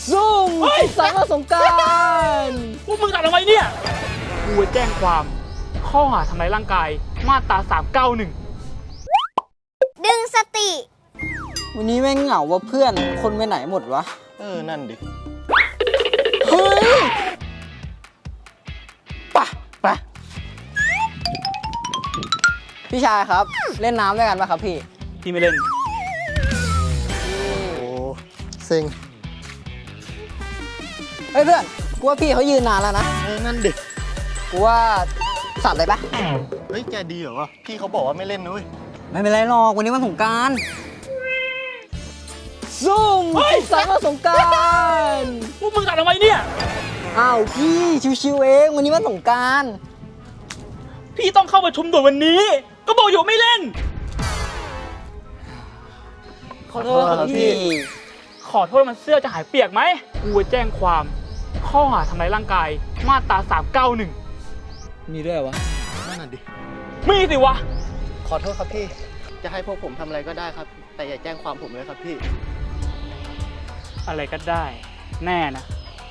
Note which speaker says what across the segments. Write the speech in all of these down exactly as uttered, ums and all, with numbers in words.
Speaker 1: ซุ่มสารสงกรานต์
Speaker 2: พวกมึงตัดทำไมเนี่ยกูจะแจ้งความข้อหาทำร้ายร่างกายมาตราสามเก้าหนึ่ง
Speaker 3: ดึงสติ
Speaker 1: วันนี้แม่งเหงาว่าเพื่อนคนไปไหนหมดวะ
Speaker 4: เออ นั่นดิ
Speaker 1: เฮ้ยปะปะพี่ชายครับเล่นน้ำด้วยกันปะครับพี่
Speaker 2: พี่ไม่เล่น
Speaker 4: โอ้เซ็ง
Speaker 1: เฮ้ยเพื่อนกูว่าพี่เขายืนนานแล้วนะ
Speaker 4: เออ นั่นดิ
Speaker 1: กูว่าสัตว์เลยปะ
Speaker 4: เฮ้ย แกดีเหรอวะ พี่เขาบอกว่าไม่เล่นนุ้ย
Speaker 1: ไม่เป็นไรหรอกวันนี้วันสงกรานต์ซุ่มสารสงกรานต์
Speaker 2: พวกมึงตัดทำไมเนี่ย
Speaker 1: อ้าวพี่ชิวๆเองวันนี้วันสงกรานต์
Speaker 2: พี่ต้องเข้าประชุมด่วนวันนี้ ก็บอกอยู่ไม่เล่น
Speaker 1: ขอโทษครับพี่
Speaker 2: ขอโทษมันเสื้อจะหายเปียกไหมกูจะแจ้งความข้อหาทำร้ายร่างกายมาตราสามเก้าหนึ่ง
Speaker 1: มีด้วยวะ
Speaker 4: นั่นน่ะดิ
Speaker 2: มีสิวะ
Speaker 4: ขอโทษครับพี่ จะให้พวกผมทำอะไรก็ได้ครับ แต่อย่าแจ้งความผมเลยครับพี่
Speaker 2: อะไรก็ได้ แน่นะ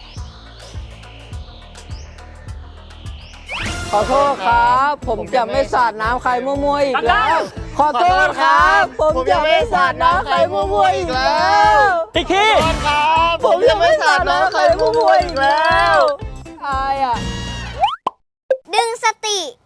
Speaker 1: ขอโทษครับ ผมจะไม่สาดน้ำใครมั่วๆอีก
Speaker 2: ดั
Speaker 1: แล้
Speaker 2: ง
Speaker 1: ว ขอโทษครับ ผมจะไม่สาดน้ำใครมั่วๆอีกแล้ว
Speaker 2: อีกที
Speaker 1: ผมจะไม่สาดน้ำใครมั่วๆอีกแล้วอายอ่ะ
Speaker 3: ดึงสติ